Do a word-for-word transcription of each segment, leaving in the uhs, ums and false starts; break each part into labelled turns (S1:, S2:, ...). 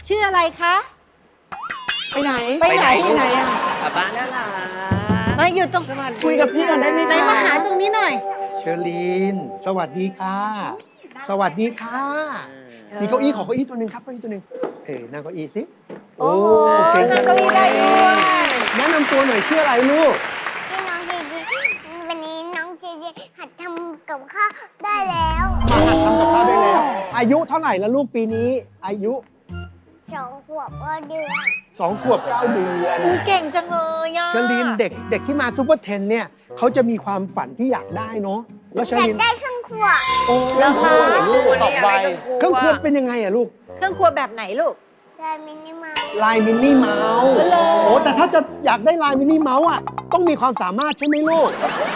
S1: ชื่ออะไรคะ
S2: ไปไหน
S1: ไปไหน
S2: ไปไหนอ่ะ
S3: ป้าป้าน่ารัก
S1: มาอยู่ตรง
S2: คุยกับพี่ก่อนได้ไหม
S1: ไหน
S2: คะ
S1: มาหาตรงนี้หน่อย
S4: เชอรีน สวัสดีค่ะ สวัสดีค่ะ มีเก้าอี้ขอเก้าอี้ตัวหนึ่งครับเก้าอี้ตัวหนึ่งเอ้ยนั่งเก้าอี้สิ
S1: โอ้
S4: เก่ง
S1: นั่
S4: จั
S1: ง
S4: ง
S1: เก้าอี้ได้ด้วย
S4: แนะนำตัวหน่อยชื่ออะไรลูก
S5: พี่น้องเจเจวันนี้น้องเจเจหัดทำกับข้าวได้แล้ว
S4: มาหัดทำกับข้าวได้แล้ว อายุเท่าไหร่แล้วลูกปีนี้ อายุ
S5: สองขวบก็เดือน
S4: สองขวบเก้าเดือน
S1: อุ๊ยเก่งจังเลยอ่ะ
S4: เชอรีนเด็กเด็กที่มาซูเปอร์เทนเนี่ยเขาจะมีความฝันที่อยากได้เนาะแล้วเชอ
S5: อยาก
S4: รีน
S5: ได้เครื่องครัว
S4: โอ้
S1: แล้วคะ
S4: เหรอลูก
S3: ตอบไว
S4: เครื่องครัวเป็นยังไงอะลูก
S1: เครื่องครัวแบบไหนลูก
S5: ได้มินิมา
S4: ลายมินนี่เมาส์
S1: เหรอ
S4: โอ้แต่ถ้าจะอยากได้ลายมินนี่เมาส์อ่ะต้องมีความสามารถใช่ไหมลูก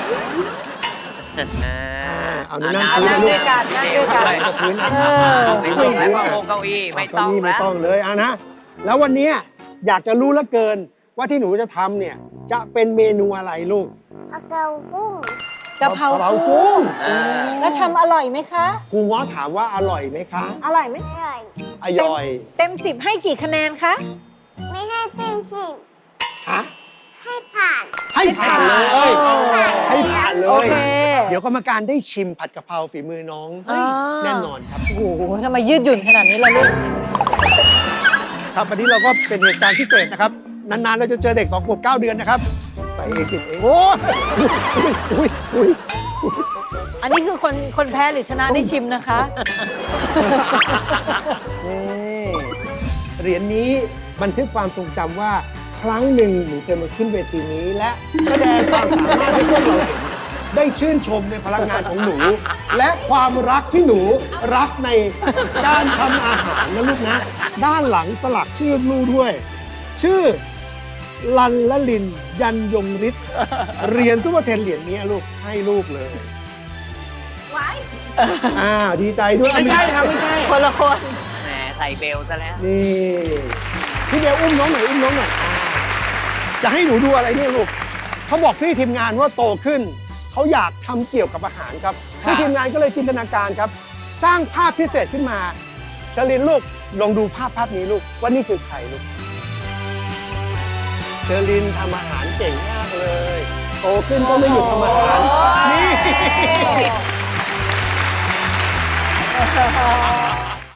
S4: เอานั่ง
S3: เอา
S4: คุย
S3: นั่ง
S4: ลูก
S3: ด้วยกันนั่งด้วยกัน
S4: กับพื้นนะ
S1: เออ
S3: ไม่ต้องแล้วว่าโอ้เก้าอี้ไม่ต้อง
S4: เก้าอี้ไม่
S3: แล้ว
S4: ต้องเลยอ่ะนะ แล้ววันเนี้ยอยากจะรู้เหลือเกินว่าที่หนูจะทำเนี่ยจะเป็นเมนูอะไรลูก
S5: เอาเกากุ้ง
S1: กะเพรา
S4: ะเพรา
S1: กุ้
S4: กุ้
S1: ง
S4: ง
S3: อ่า
S1: แล้วทำอร่อยไหมคะ
S4: ครูง้อถามว่าอร่อยไหมคะ
S1: อร่อยไหม
S5: อร่อย
S4: อร่อย
S1: เต็มสิบให้กี่คะแนนคะ
S5: ไม่ให้เต็มสิบ
S4: ฮะ
S5: ให้ผ่าน
S4: ให้ผ่านเลย
S1: ให้
S4: ให้ผ่านเล
S1: โอย เค
S4: เดี๋ยวกรรมการได้ชิมผัดกะเพราฝีมือน้อง
S1: อ่า
S4: แน่นอนครับ
S1: โอ้โหทำไมยืดหยุ่นขนาดนี้ล่ะลูก
S4: ครับวันนี้เราก็เป็นเหตุการณ์พิเศษนะครับ นานๆเราจะเจอเด็กสองขวบเก้าเดือนนะครับใส่เองกินเองโอ้ยอุ้ยอุ้ย
S1: อันนี้คือคนคนแพ้หรือชนะได้ชิมนะคะ
S4: นี่เหรียญนี้บันทึกความทรงจำว่าครั้งหนึ่งหนูเคยมาขึ้นเวทีนี้ และแสดงความสามารถให้พวกเราเห็นได้ชื่นชมในพลังงานของหนู และความรักที่หนูรักในการทำอาหารนะลูกนะ ด้านหลังสลักชื่อลูกด้วย ชื่อลันละลินยันยงฤทธิ์เรียนซุปเปอร์เทนเหรียญนี้ลูกให้ลูกเลยอ้าวดีใจด้วย
S2: ไม่ใช่ครับไม่ใช่
S1: คนละคน
S3: แหมใส่เบลซะแล้ว
S4: นี่พี่เบลอุ้มน้องหน่อยอุ้มน้องหน่อยจะให้หนูดูอะไรเนี่ยลูกเขาบอกพี่ทีมงานว่าโตขึ้นเขาอยากทำเกี่ยวกับอาหารครับพี่ทีมงานก็เลยจินตนาการครับ สร้างภาพพิเศษขึ้นมาชลินลูกลองดูภาพภาพนี้ลูกว่านี่คือใครลูกเชอรินทำอาหารเก่งมากเลยโตขึ้นก็ไม่หยุดทำอาหารนี่